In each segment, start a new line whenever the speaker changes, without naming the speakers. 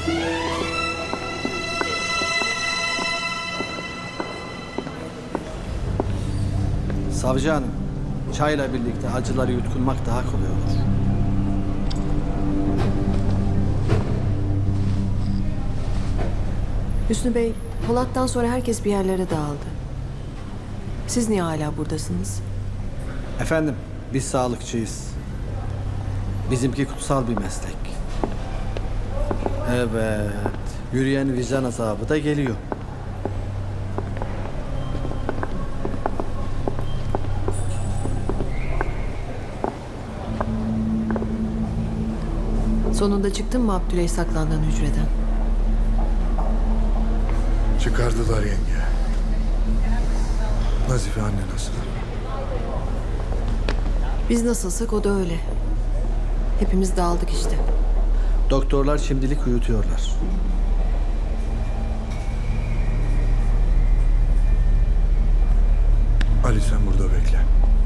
Savcı hanım, çayla birlikte acıları yutkunmak daha kolay olur.
Hüsnü Bey, Polat'tan sonra herkes bir yerlere dağıldı. Siz niye hala buradasınız?
Efendim, biz sağlıkçıyız. Bizimki kutsal bir meslek. Evet, yürüyen vicdan azabı da geliyor.
Sonunda çıktın mı Abdüley saklandığın hücreden?
Çıkardılar yenge. Nazife anne nasıl?
Biz nasılsak o da öyle. Hepimiz dağıldık işte.
Doktorlar şimdilik uyutuyorlar.
Ali sen burada bekle.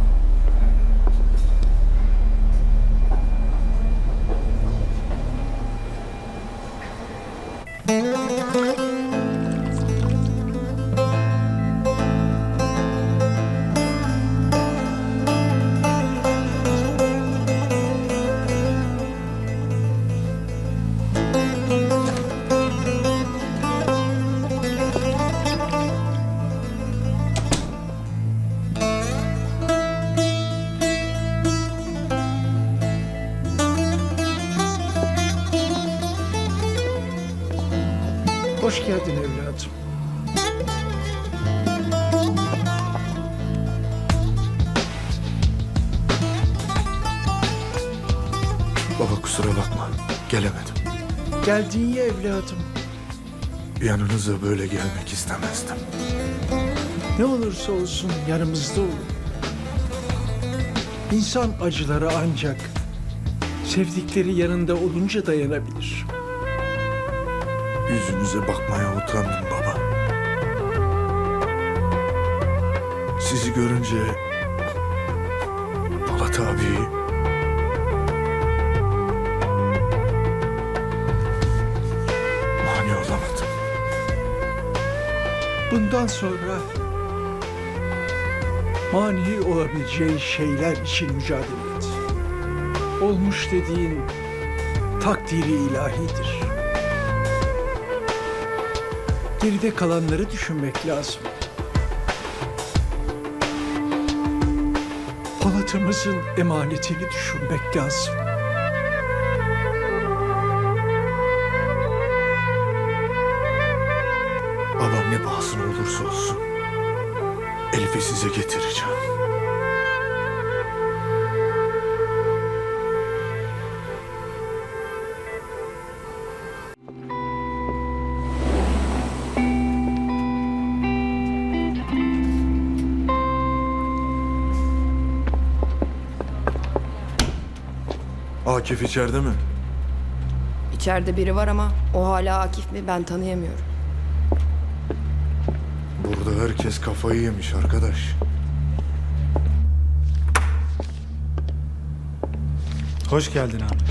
Hoş geldin evladım.
Baba kusura bakma. Gelemedim.
Geldin ya evladım.
Yanınıza böyle gelmek istemezdim.
Ne olursa olsun yanımızda olun. İnsan acıları ancak sevdikleri yanında olunca dayanabilir.
Yüzünüze bakmaya utandım baba. Sizi görünce Polat abi mani olamadım.
Bundan sonra mani olabileceği şeyler için mücadele et. Olmuş dediğin takdiri ilahidir. Geride kalanları düşünmek lazım. Polat'ımızın emanetini düşünmek lazım.
Babam ne pahasına olursa olsun Elif'i size getireceğim. Akif içeride mi?
İçeride biri var ama o hala Akif mi ben tanıyamıyorum.
Burada herkes kafayı yemiş arkadaş.
Hoş geldin abi.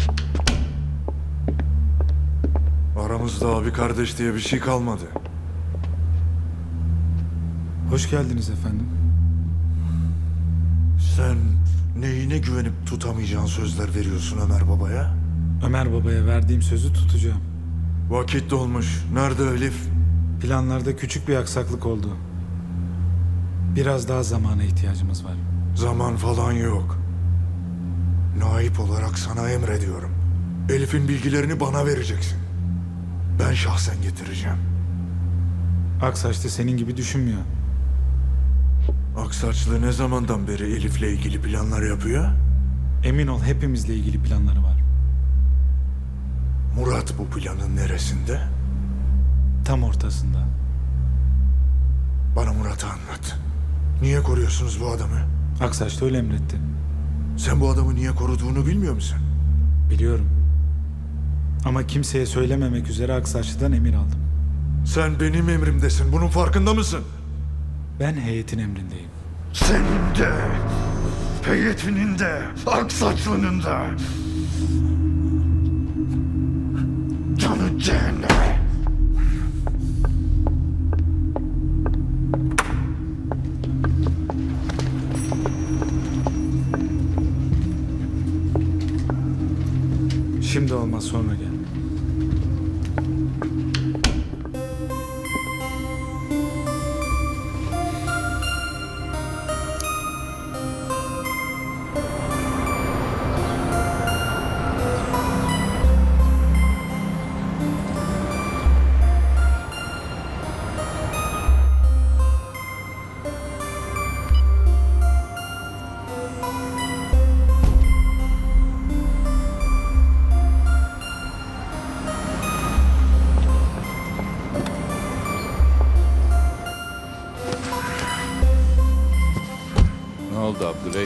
Aramızda abi kardeş diye bir şey kalmadı.
Hoş geldiniz efendim.
Sen neyine güvenip tutamayacağın sözler veriyorsun Ömer Baba'ya?
Ömer Baba'ya verdiğim sözü tutacağım.
Vakit dolmuş. Nerede Elif?
Planlarda küçük bir aksaklık oldu. Biraz daha zamana ihtiyacımız var.
Zaman falan yok. Naip olarak sana emrediyorum. Elif'in bilgilerini bana vereceksin. Ben şahsen getireceğim.
Aksaç da senin gibi düşünmüyor.
Aksaçlı ne zamandan beri Elif'le ilgili planlar yapıyor?
Emin ol hepimizle ilgili planları var.
Murat bu planın neresinde?
Tam ortasında.
Bana Murat'ı anlat. Niye koruyorsunuz bu adamı?
Aksaç da öyle emretti.
Sen bu adamı niye koruduğunu bilmiyor musun?
Biliyorum. Ama kimseye söylememek üzere Aksaçlı'dan emir aldım.
Sen benim emrimdesin. Bunun farkında mısın?
Ben heyetin emrindeyim.
Senin de, heyetinin de, Aksaçlı'nın da. Canı Cehenneme.
Şimdi olmaz, sonra gel.
Ne oldu Abdüley?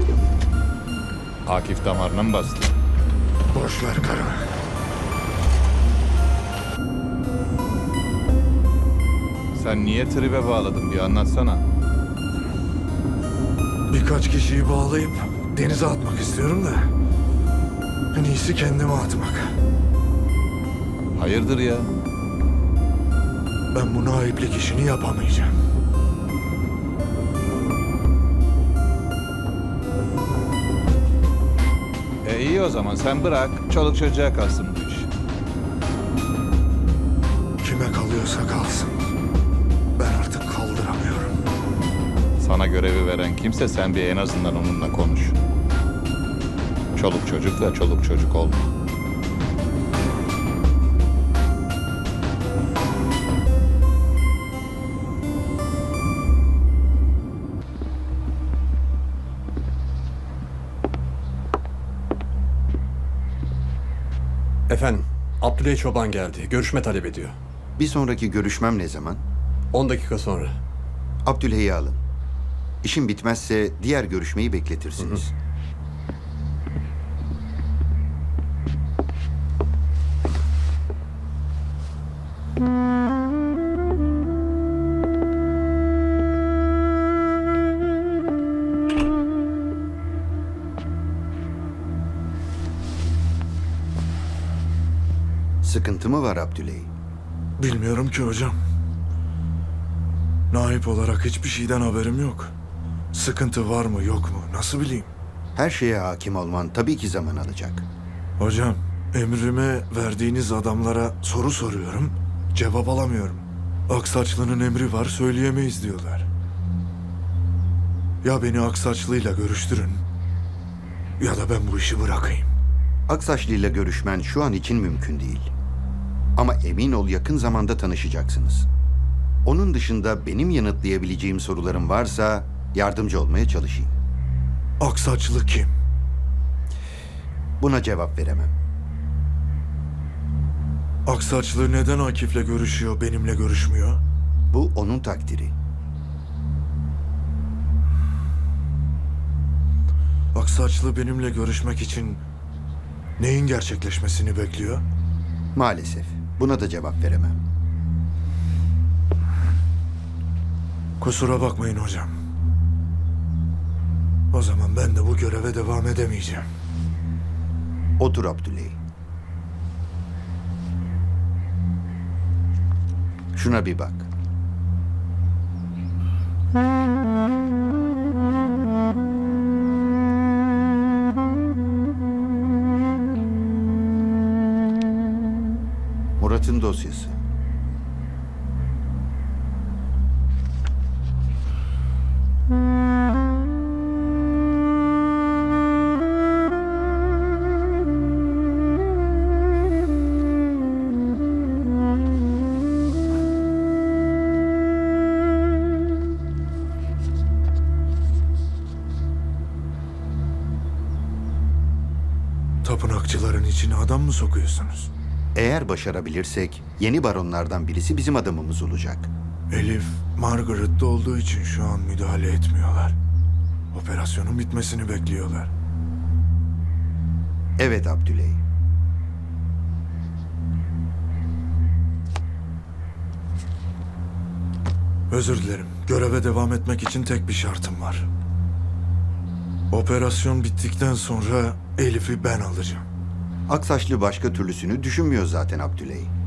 Akif damarına mı bastı?
Boş ver karı.
Sen niye tribe bağladın bir anlatsana.
Birkaç kişiyi bağlayıp denize atmak istiyorum da. En iyisi kendime atmak.
Hayırdır ya?
Ben bu naiplik işini yapamayacağım.
İyi o zaman sen bırak. Çoluk çocuğa kalsın bu iş.
Kime kalıyorsa kalsın. Ben artık kaldıramıyorum.
Sana görevi veren kimse sen bir en azından onunla konuş. Çoluk çocukla çoluk çocuk olma.
Efendim, Abdüley Çoban geldi. Görüşme talep ediyor.
Bir sonraki görüşmem ne zaman?
10 dakika sonra.
Abdülhey'i alın. İşim bitmezse diğer görüşmeyi bekletirsiniz. Sıkıntı mı var Abdülhey?
Bilmiyorum ki hocam. Naip olarak hiçbir şeyden haberim yok. Sıkıntı var mı yok mu nasıl bileyim?
Her şeye hakim olman tabii ki zaman alacak.
Hocam emrime verdiğiniz adamlara soru soruyorum. Cevap alamıyorum. Aksaçlı'nın emri var söyleyemeyiz diyorlar. Ya beni Aksaçlı'yla görüştürün ya da ben bu işi bırakayım.
Aksaçlı ile görüşmen şu an için mümkün değil. Ama emin ol yakın zamanda tanışacaksınız. Onun dışında benim yanıtlayabileceğim sorularım varsa yardımcı olmaya çalışayım.
Aksaçlı kim?
Buna cevap veremem.
Aksaçlı neden Akif'le görüşüyor, benimle görüşmüyor?
Bu onun takdiri.
Aksaçlı benimle görüşmek için neyin gerçekleşmesini bekliyor?
Maalesef buna da cevap veremem.
Kusura bakmayın hocam. O zaman ben de bu göreve devam edemeyeceğim.
Otur Abdülhey. Şuna bir bak. Murat'ın dosyası.
Tapınakçıların içine adam mı sokuyorsunuz?
Eğer başarabilirsek yeni baronlardan birisi bizim adamımız olacak.
Elif, Margaret'te olduğu için şu an müdahale etmiyorlar. Operasyonun bitmesini bekliyorlar.
Evet Abdülhey.
Özür dilerim. Göreve devam etmek için tek bir şartım var. Operasyon bittikten sonra Elif'i ben alacağım.
Aksaçlı başka türlüsünü düşünmüyor zaten Abdülhey.